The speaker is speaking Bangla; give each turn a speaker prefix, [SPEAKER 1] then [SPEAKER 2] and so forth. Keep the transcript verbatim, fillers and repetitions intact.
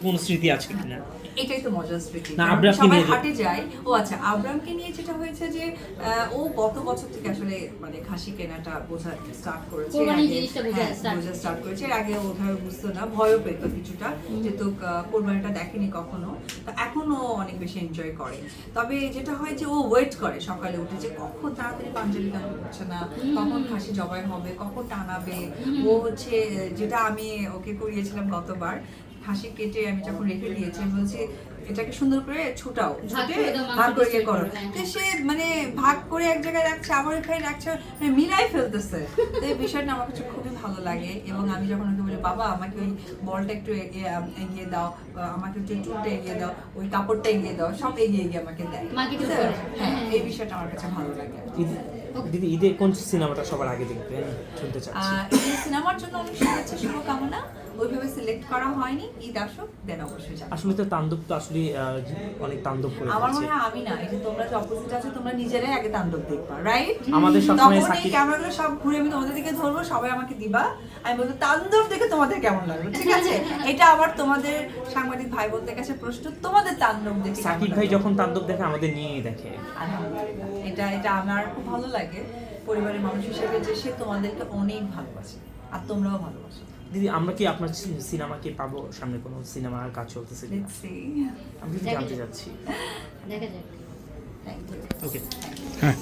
[SPEAKER 1] কোন স্মৃতি আছে কিনা?
[SPEAKER 2] এটাই তো মজার স্মৃতি।
[SPEAKER 1] না, আবরামকে
[SPEAKER 2] সবাই
[SPEAKER 1] নিয়ে যে-
[SPEAKER 2] হাটে যায়। ও আচ্ছা, আবরামকে নিয়ে যেটা হয়েছে যে আহ, ও গত বছর থেকে আসলে মানে খাসি কেনাটা বোঝা স্টার্ট করেছে।
[SPEAKER 3] কোরবানির
[SPEAKER 2] আগে-
[SPEAKER 3] জিনিসটা বোঝা
[SPEAKER 2] হ্যাঁ,
[SPEAKER 3] start
[SPEAKER 2] বোঝা স্টার্ট করেছে। এর আগে ওভাবে বুঝতো না, ভয়ও পেত কিছুটা, যেহেতু আহ, কোরবানিটা দেখেনি কখনো। তো এখন ও অনেক বেশি এনজয় করে। তবে যেটা হয় যে ও ওয়েট করে সকালে উঠে যে কখন তাড়াতাড়ি পাঞ্জাবি গান করছে না, কখন খাসি জবাই হবে, কখন টানাবে। ও হচ্ছে যেটা আমি ওকে করিয়েছিলাম গতবার, খাসি কেটে আমি যখন রেখে দিয়েছি, আমি বলছি এটাকে সুন্দর করে ছুটাও,
[SPEAKER 3] ভাগ
[SPEAKER 2] ছুটে
[SPEAKER 3] করে দাও, মাংস
[SPEAKER 2] ভাগ করে ইয়ে
[SPEAKER 3] distribute
[SPEAKER 2] করো।
[SPEAKER 3] করো, হ্যাঁ।
[SPEAKER 2] তো সে মানে ভাগ করে এক জায়গায় রাখছে, আবার এখানে রাখছে, মানে মিলাই ফেলতেছে। তো এই বিষয়টা আমার কাছে খুবই ভালো লাগে। এবং আমি যখন ওকে বলি বাবা আমাকে ওই বলটা একটু এগিয়ে এগিয়ে দাও, বা আমাকে একটু চুলটা এগিয়ে দাও, ওই কাপড়টা এগিয়ে দাও, সব এগিয়ে এগিয়ে আমাকে দেয়।
[SPEAKER 3] মাকে একটু
[SPEAKER 2] তো,
[SPEAKER 3] করে।
[SPEAKER 2] হ্যাঁ, এই বিষয়টা আমার কাছে ভালো লাগে।
[SPEAKER 1] ঈদে- দিদি ঈদে কোন সিনেমাটা সবার আগে দেখবেন শুনতে চাচ্ছি।
[SPEAKER 2] আহ, এই সিনেমার জন্য অনেক শুভেচ্ছা শুভকামনা। ওইভাবে সিলেক্ট করা হয়নি, ঈদ আসুক দেন অবশ্যই যাবো।
[SPEAKER 1] আসলে তো তাণ্ডব তো আসলে আহ, অনেক তাণ্ডব করে
[SPEAKER 2] আমার
[SPEAKER 1] ফেলছে।
[SPEAKER 2] মনে হয় আমি না, এই যে তোমরা যে অপোজিট আছো, তোমরা নিজেরাই আগে তাণ্ডব দেখবা, রাইট?
[SPEAKER 1] আমাদের সবসময়
[SPEAKER 2] তখন এই
[SPEAKER 1] সাকিব-
[SPEAKER 2] ক্যামেরাগুলো সব ঘুরে আমি তোমাদের দিকে ধরবো, সবাই আমাকে দিবা, আমি বলবো তাণ্ডব দেখে তোমাদের কেমন লাগলো, ঠিক আছে? এটা আবার তোমাদের সাংবাদিক ভাই বোনদের কাছে প্রশ্ন, তোমাদের তাণ্ডব দেখে কেমন
[SPEAKER 1] সাকিব ভাই
[SPEAKER 2] লাগলো?
[SPEAKER 1] যখন তাণ্ডব দেখে আমাদের নিয়েই দেখে।
[SPEAKER 2] আলহামদুলিল্লাহ, এটা এটা আমার খুব ভালো লাগে পরিবারের মানুষ হিসেবে, যে সে তোমাদেরকে অনেক ভালোবাসে আর তোমরাও ভালোবাসো।
[SPEAKER 1] দিদি আমরা কি আপনার সিনেমা কি পাবো সামনে, কোনো সিনেমার কাজ চলতেছে কিনা?
[SPEAKER 2] Let's see.
[SPEAKER 1] আমি কিন্তু
[SPEAKER 3] দেখা
[SPEAKER 1] জানতে
[SPEAKER 3] যাক।
[SPEAKER 1] চাচ্ছি।
[SPEAKER 3] দেখা যাক।
[SPEAKER 2] Thank you.
[SPEAKER 1] ওকে।
[SPEAKER 4] হ্যাঁ